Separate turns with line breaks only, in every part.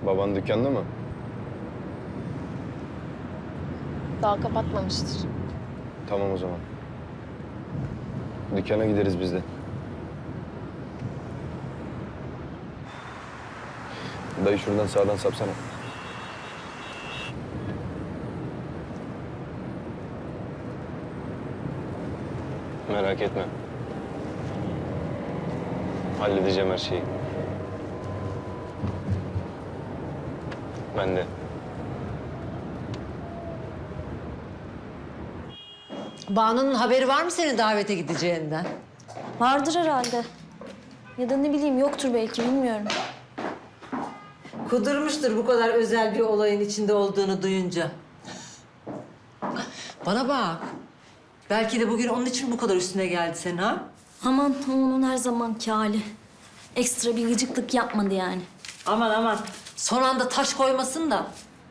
Baban dükkanda mı?
Daha kapatmamıştır.
Tamam o zaman. Dükkana gideriz biz de. Dayı şuradan sağdan sapsana. Merak etme. Halledeceğim her şeyi. Ben de.
Banu'nun haberi var mı senin davete gideceğinden?
Vardır herhalde. Ya da ne bileyim yoktur belki bilmiyorum.
Kudurmuştur bu kadar özel bir olayın içinde olduğunu duyunca. Bana bak. Belki de bugün onun için bu kadar üstüne geldi senin ha?
Aman onun her zamanki hali. Ekstra bir gıcıklık yapmadı yani.
Aman aman. Son anda taş koymasın da.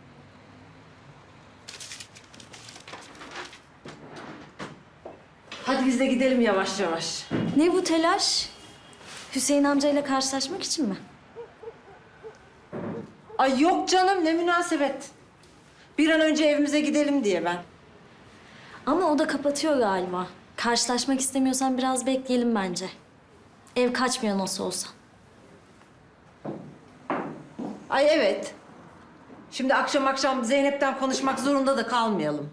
Hadi biz de gidelim yavaş yavaş.
Ne bu telaş? Hüseyin amcayla karşılaşmak için mi?
Ay yok canım ne münasebet. Bir an önce evimize gidelim diye ben.
Ama o da kapatıyor galiba. Karşılaşmak istemiyorsan biraz bekleyelim bence. Ev kaçmıyor nasıl olsa.
Ay evet. Şimdi akşam Zeynep'ten konuşmak zorunda da kalmayalım.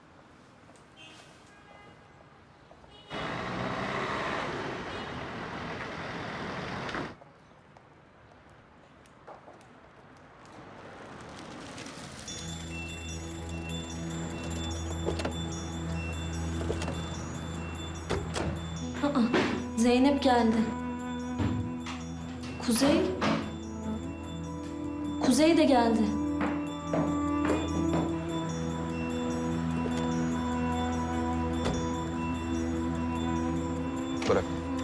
Zeynep geldi. Kuzey? Kuzey de geldi.
Bırak.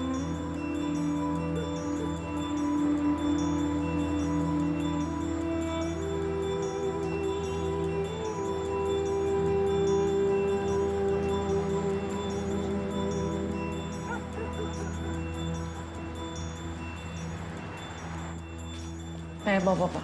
Merhaba baba.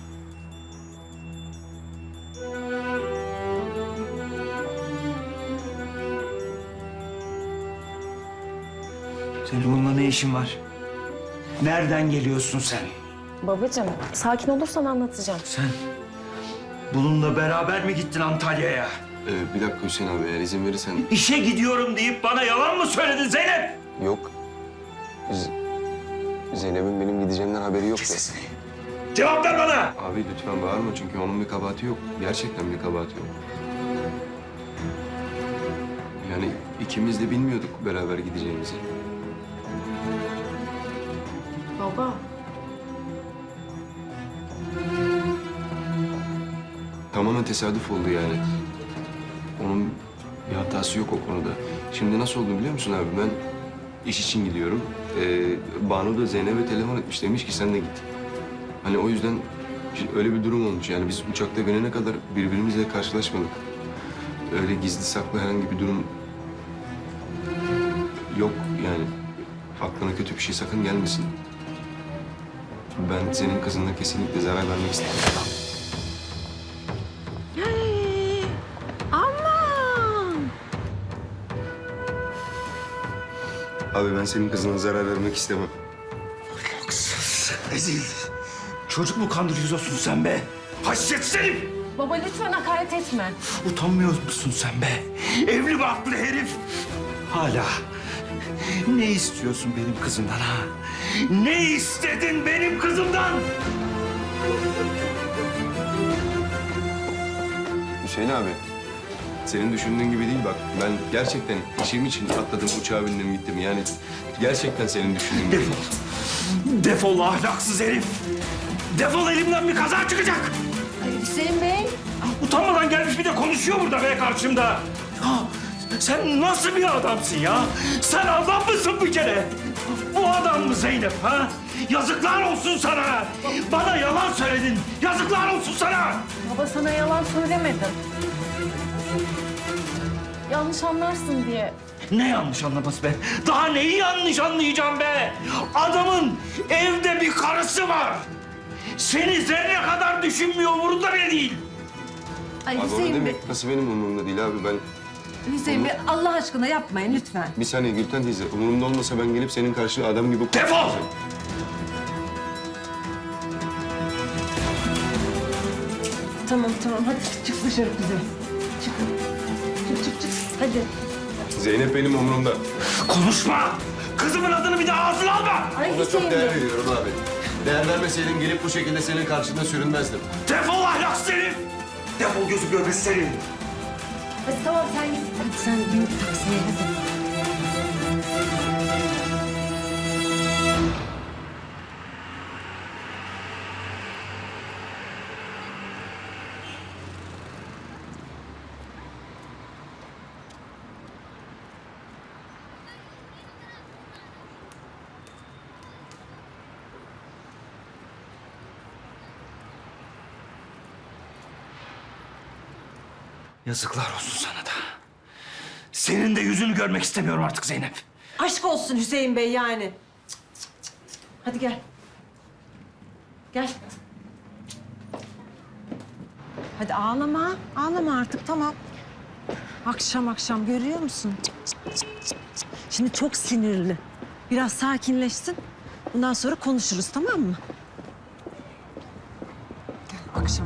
Senin bununla ne işin var? Nereden geliyorsun sen?
Babacığım, sakin olursan anlatacağım.
Sen bununla beraber mi gittin Antalya'ya?
Bir dakika Hüseyin abi, eğer izin verirsen...
İşe gidiyorum deyip bana yalan mı söyledin Zeynep?
Yok. Zeynep'in benim gideceğimden haberi yok ya.
Sesini. Cevap ver bana!
Abi lütfen bağırma çünkü onun bir kabahati yok. Gerçekten bir kabahati yok. Yani ikimiz de bilmiyorduk beraber gideceğimizi.
Baba.
Tamamen tesadüf oldu yani. Onun bir hatası yok o konuda. Şimdi nasıl oldu biliyor musun abi? Ben iş için gidiyorum. Banu da Zeynep'e telefon etmiş. Demiş ki sen de git. Hani o yüzden öyle bir durum olmuş. Yani biz uçakta gelene kadar birbirimizle karşılaşmadık. Öyle gizli saklı herhangi bir durum yok yani. Aklına kötü bir şey sakın gelmesin. Ben senin kızına kesinlikle zarar vermek istemiyorum.
Aman!
Abi ben senin kızına zarar vermek istemem.
Haksız, rezil. Çocuk mu kandırıyorsun sen be? Haşyet herif!
Baba lütfen hakaret etme.
Utanmıyor musun sen be? Evli barklı herif! Hala ne istiyorsun benim kızımdan ha? Ne istedin benim kızımdan?
Hüseyin abi, senin düşündüğün gibi değil bak. Ben gerçekten işim için atladım, uçağa bindim gittim. Yani gerçekten senin düşündüğün gibi.
Defol. Defol ahlaksız herif. Defol elimden bir kaza çıkacak.
Hüseyin Bey.
Utanmadan gelmiş bir de konuşuyor burada be karşımda. Ya sen nasıl bir adamsın ya? Sen adam mısın bir kere? Bu adam mı Zeynep ha? Yazıklar olsun sana. Bana yalan söyledin. Yazıklar olsun sana.
Baba sana yalan söylemedim. Yanlış anlarsın diye.
Ne yanlış anlaması be? Daha neyi yanlış anlayacağım be? Adamın evde bir karısı var. Seni zerre kadar düşünmüyor, umurunda bile değil.
Ay
Abi o ne
Hüseyin Bey,
demek? Nasıl benim umurumda değil abi? Ben
Hüseyin Bey Allah aşkına yapmayın lütfen.
bir saniye Gülten teyze. Umurumda olmasa ben gelip senin karşına adam gibi...
Defol!
Tamam hadi çık dışarı Kuzey. Çık. Hadi.
Zeynep benim umurumda.
Konuşma! Kızımın adını bir daha ağzına alma!
Ay
Ona çok
Hüseyin Bey.
değer veriyorum abi. Değer vermeseydim gelip bu şekilde senin karşında sürünmezdim.
Defol ahlaksız herif! Defol gözü görmesi seni!
Hadi tamam sen git. Hadi sen bin taksiye hadi.
Yazıklar olsun sana da. Senin de yüzünü görmek istemiyorum artık Zeynep.
Aşk olsun Hüseyin Bey yani. Hadi gel. Gel. Hadi ağlama. Ağlama artık tamam. Akşam görüyor musun? Şimdi çok sinirli. Biraz sakinleşsin. Bundan sonra konuşuruz tamam mı? Gel akşam.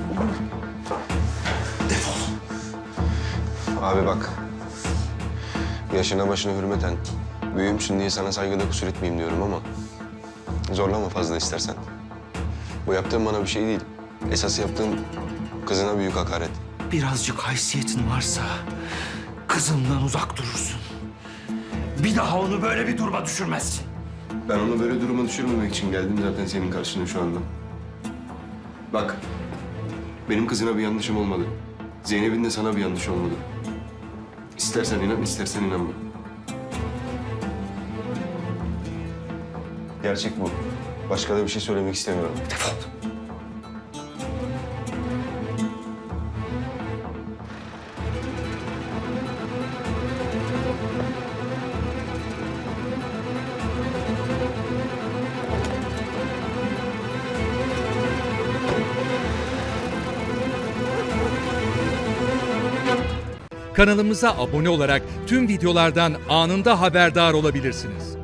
Defol.
Abi bak. Yaşına başına hürmeten. Büyüğümsün diye sana saygıda kusur etmeyeyim diyorum ama... zorlama fazla istersen. Bu yaptığın bana bir şey değil. Esas yaptığın kızına büyük hakaret.
Birazcık haysiyetin varsa kızımdan uzak durursun. Bir daha onu böyle bir duruma düşürmezsin.
Ben onu böyle duruma düşürmemek için geldim zaten senin karşına şu anda. Bak, benim kızına bir yanlışım olmadı. Zeynep'in de sana bir yanlış olmadı. İstersen inan, istersen inanma. Gerçek bu. Başka da bir şey söylemek istemiyorum.
Defol.
Kanalımıza abone olarak tüm videolardan anında haberdar olabilirsiniz.